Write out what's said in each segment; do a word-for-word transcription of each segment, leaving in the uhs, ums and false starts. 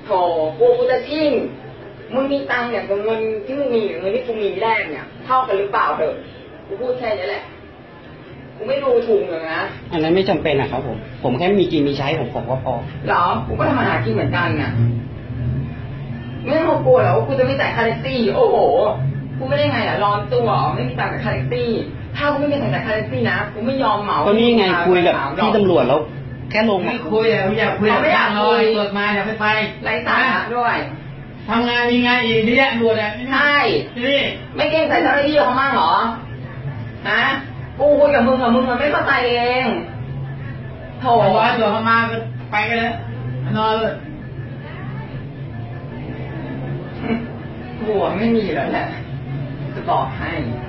โถกูกูจะชิ่งมึงมีตังค์อย่างกับเงินที่มึงมีหรือเงินที่กูมีแรกเนี่ยเท่ากันหรือเปล่าเถอะกูพูดแค่นี้แหละกูไม่ดูถูกเลยนะอันนั้นไม่จำเป็นนะครับผมผมแค่มีกินมีใช้ของผมก็พอหรอกูก็ทำมาหากินเหมือนกันน่ะไม่ต้องกลัวหรอกกูจะไม่จ่ายค่าแท็กซี่โอ้โหกูไม่ได้ไงล่ะร้อนตัวไม่มีตังค์จ่ายค่าแท็กซี่ถ้ากูไม่มีตังค์จ่ายค่าแท็กซี่นะกูไม่ยอมเหมาก็นี่ไงคุยกับพี่ตำรวจแล้วแค่ลงไม่คุยอ่ะไม่อยากคุยไม่อยากเลยตรวจมาอย่าไปไปไร้สาระด้วยทำงานมีงานอีกที่แยกตรวจอ่ะใช่นี่ไม่เก่งใจเจ้าหน้าที่เขามั่งเหรอฮะกูคุยกับมึงกับมึงมันไม่เข้าใจเองโถร้อยตัวเข้ามาก็ไปกันแล้วนอนเลยหัวไม่มีแล้วแหละจะบอกให้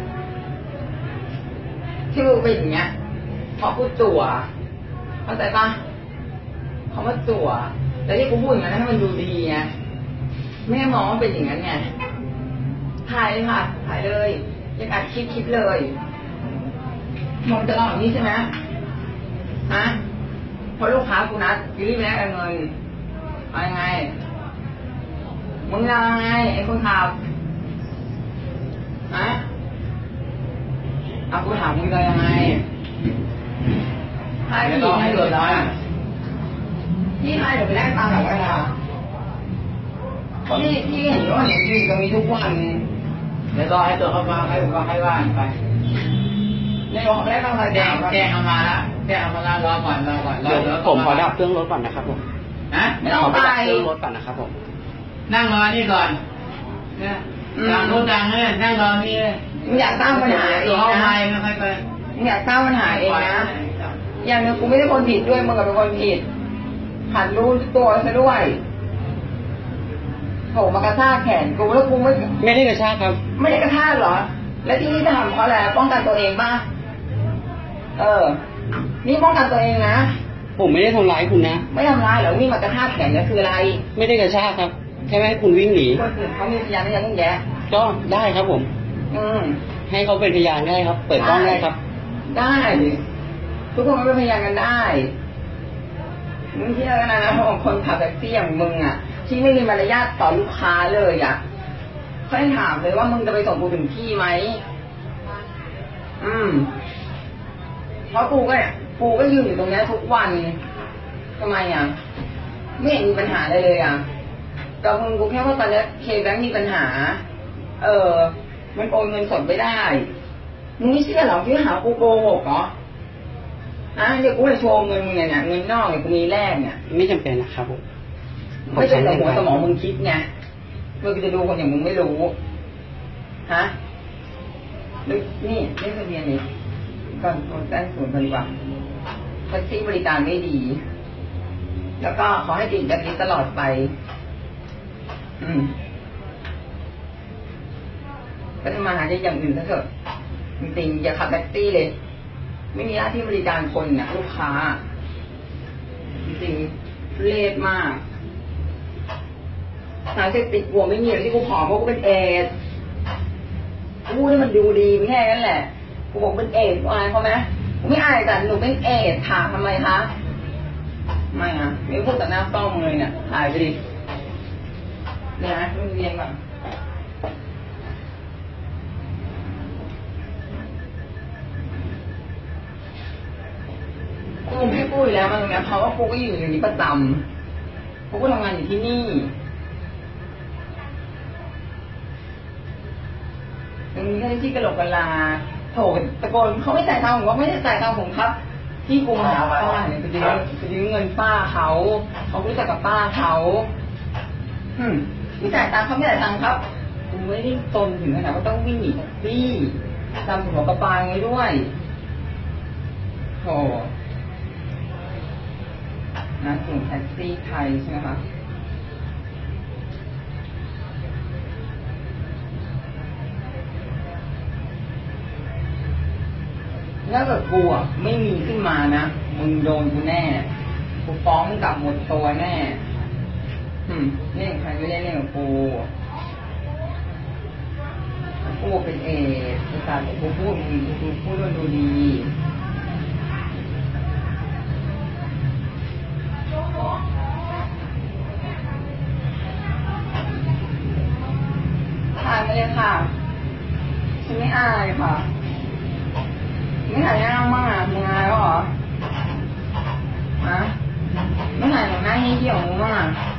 ที่มึงเป็นอย่างเงี้ยเพราะกูจั่วเข้าใจปะเขามาจั่วแต่ที่กูพูดอย่างนั้นให้มันดูดีไงแม่มองว่าเป็นอย่างนั้นไงถ่ายเลยค่ะถ่ายเลยอยากอัดคลิปคลิปเลยมองจะเล่าอย่างนี้ใช่ไหมฮะพอลูกค้ากูนัดรีบแลกเงินเอายังไงมึงเอายังไงไอ้คนขับฮะเอากูถามมึงจะยังไงให้พี่ให้เดือดร้อนพี่ให้เดี๋ยวไปแลกตังค์กับเวลาพี่พี่เห็นว่าเนี่ยพี่ตรงนี้ทุกวันเดี๋ยวรอให้ตัวเข้ามาให้ก็ให้ว่านไปในบอกแลกตังค์อะไรแจ้งแจ้งเอามาแล้วแจ้งเอามาแล้วรอก่อนรอก่อนรอผมขอดับเครื่องรถก่อนนะครับผมนะไม่ต้องไปดับเครื่องรถก่อนนะครับผมนั่งรอนี่ก่อนเนี่ยดังโน้ดังเนี่ยนั่งรอนี่มึงอยากสร้างปัญหาเองนะไม่ค่อยไปมึงอยากสร้างปัญหาเองนะอย่างนึงกูไม่ได้คนผิดด้วยมึงกับเป็นคนผิดหันรู้ตัวซะด้วยโถมากระชากแขนกูแล้วกูไม่ไม่ได้กระชากครับไม่ได้กระชากเหรอแล้วที่นี่ทำเพราะอะไรป้องกันตัวเองป่ะเออนี่ป้องกันตัวเองนะผมไม่ได้ทำร้ายคุณนะไม่ทำร้ายหรอนี่มากระชากแขนนี่คืออะไรไม่ได้กระชากครับแค่ไม่ให้คุณวิ่งหนีคนอื่นเขามีพยานไม่ยังต้องแย่ก็ได้ครับผมอืมให้เขาเป็นพยานได้ครับเปิดกล้องได้ครับได้ทุกคนเป็นพยานกันได้มึงเชื่อกันนะนะของคนขับแท็กซี่อย่างมึงอ่ะที่ไม่มีมารยาทต่อลูกค้าเลยอ่ะเขาให้ถามเลยว่ามึงจะไปส่งกูถึงที่ไหมอืมเพราะกูก็เนี่ยกูก็ยืนอยู่ตรงนี้ทุกวันทำไมอ่ะไม่เห็นมีปัญหาเลยเลยอ่ะกับมึงกูแค่ว่าตอนนี้เคแบงค์มีปัญหาเออมันโอนเงินสดไม่ได้มึงไม่เชื่อหรอที่หากูโกหกเหรออ่ะเดี๋ยวกูจะโชว์เงินมึงเนี่ยเงินนอกเนี่ยกูมีแรกเนี่ยไม่จำเป็นนะครับผมไม่ใช่แต่หัวสมองมึงคิดไงมึงจะดูคนอย่างมึงไม่รู้ฮะนี่นี่ทะเบียนนี่ก่อนคนแจ้งศูนย์ดีกว่าแท็กซี่บริการไม่ดีแล้วก็ขอให้ติดแบบนี้ตลอดไปอืมก็จะมาหาได้อย่างอื่นซะเถอะจริงๆอย่าขับแท็กซี่เลยไม่มีหน้าที่บริการคนเนี่ยลูกค้าจริงๆเละมากสารเสพติดหัวไม่มีหรอกที่กูผอมเพราะกูเป็นเอดกูนี่มันดูดีไม่แค่นั้นแหละกูบอกเป็นเอดอายเขาไหมกูไม่อายแต่หนูเป็นเอดถามทำไมคะไม่อะไม่พูดแต่หน้าต้องเลยเนี่ยถ่ายไปดิเนี่ยนะมึงเรียนก่อนกูพี่พูดแล้วมันนะเพราะว่ากูก็อยู่อย่างนี้ประจำกูก็ทำงานอยู่ที่นี่มึงแค่ที่กระโหลกกะลาโถตะโกนเขาไม่จ่ายตังค์ผมว่าไม่ได้จ่ายตังค์ผมครับที่กูมาหาป้าเนี่ยไปยืมไปยืมเงินป้าเขาเขารู้จักกับป้าเขาอืมไม่จ่ายตังค์เขาไม่จ่ายตังค์ครับกูไม่ได้ตนถึงขนาดว่าต้องวิ่งหนีแท็กซี่ทำหัวกระปางไว้ด้วยโถนะกลุ่มแท็กซี่ไทยใช่ไหมคะถ้าเกิดกูอ่ะไม่มีขึ้นมานะมึงโดนกูแน่กูฟ้องกลับหมดตัวแน่อืมนี่ใครไม่ได้เล่นกับกูกูเป็นเอภาษากูพูดมึงกูพูดด้วยดูดีไปเลยค่ะฉันไม่อายค่ะไม่ถ่ายหน้าบ้างอ่ะมึงอายแล้วเหรอฮะไม่ถ่ายหน้าให้เหี่ยวมึงบ้างอ่ะ